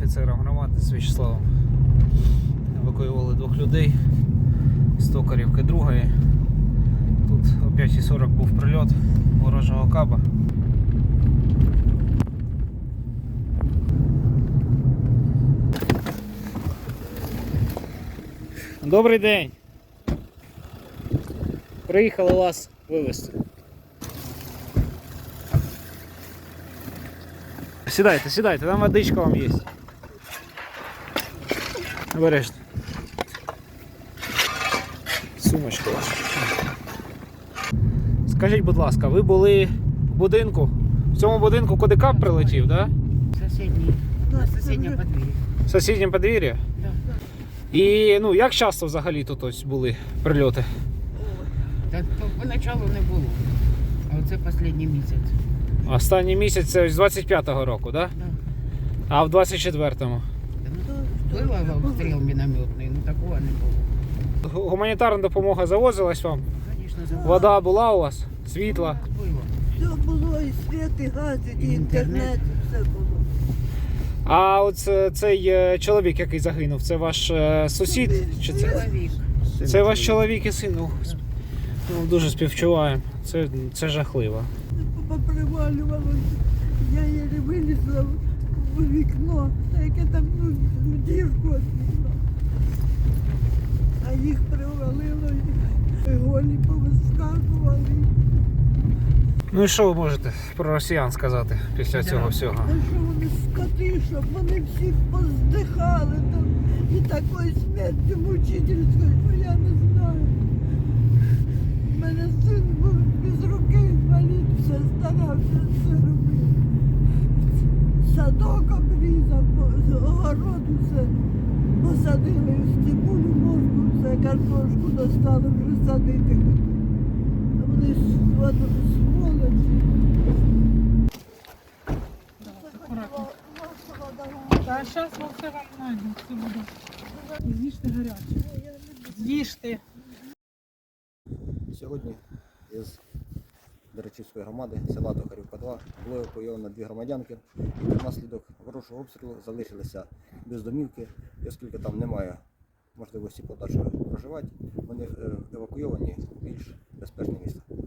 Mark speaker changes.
Speaker 1: офіцером громади з В'ячеславом. Евакуювали 2 людей з Токарівки 2-ї. Тут о 5:40 був прильот ворожого каба. Добрий день! Приїхали вас вивезти. Сідайте, сідайте, там водичка вам є. Обережно. Сумочка ваша. Скажіть, будь ласка, ви були в будинку? В цьому будинку, куди кап прилетів, так?
Speaker 2: Соседний. На соседнем подвір'ї.
Speaker 1: В сусідньому подвір'ї?
Speaker 2: Да.
Speaker 1: І ну, як часто взагалі тут ось були прильоти?
Speaker 2: Та поначалу не було. А оце останній місяць.
Speaker 1: Останній місяць це ось з 25-го року, так?
Speaker 2: Да.
Speaker 1: А в 24-му?
Speaker 2: Було обстріл мінометний, ну такого не було.
Speaker 1: Гуманітарна допомога завозилась вам?
Speaker 2: Звісно, забула.
Speaker 1: Вода була у вас? Світла?
Speaker 2: Було.
Speaker 3: Все було, і світ, і газ, і інтернет, і все було.
Speaker 1: А от цей чоловік, який загинув, це ваш сусід? Чи це?
Speaker 2: Чоловік.
Speaker 1: Це ваш чоловік і син? Ну, дуже співчуваю. Це жахливо.
Speaker 3: Попривалювалося. Я її вилізла в вікно, та яке там в дірку від вікна. А їх привалило, і голі повискакували.
Speaker 1: Ну і що ви можете про росіян сказати після цього всього?
Speaker 3: А що вони скоти, щоб вони всі поздихали там. І такої смерті мучительської, що я не знаю. У мене син був без руки інвалід, все старався, все робив. Садок обрізав, огород все посадили, степулю, морку, все, картошку достали, вже садити. А вони сволочі.
Speaker 4: А зараз ми все вам знайдемо, все буде. З'їжте гаряче. З'їжте.
Speaker 5: Сьогодні із Деречівської громади села Токарівка 2 було евакуйовано 2 громадянки, які внаслідок ворожого обстрілу залишилися без домівки, і оскільки там немає можливості подальшого проживати, вони евакуйовані в більш безпечне місце.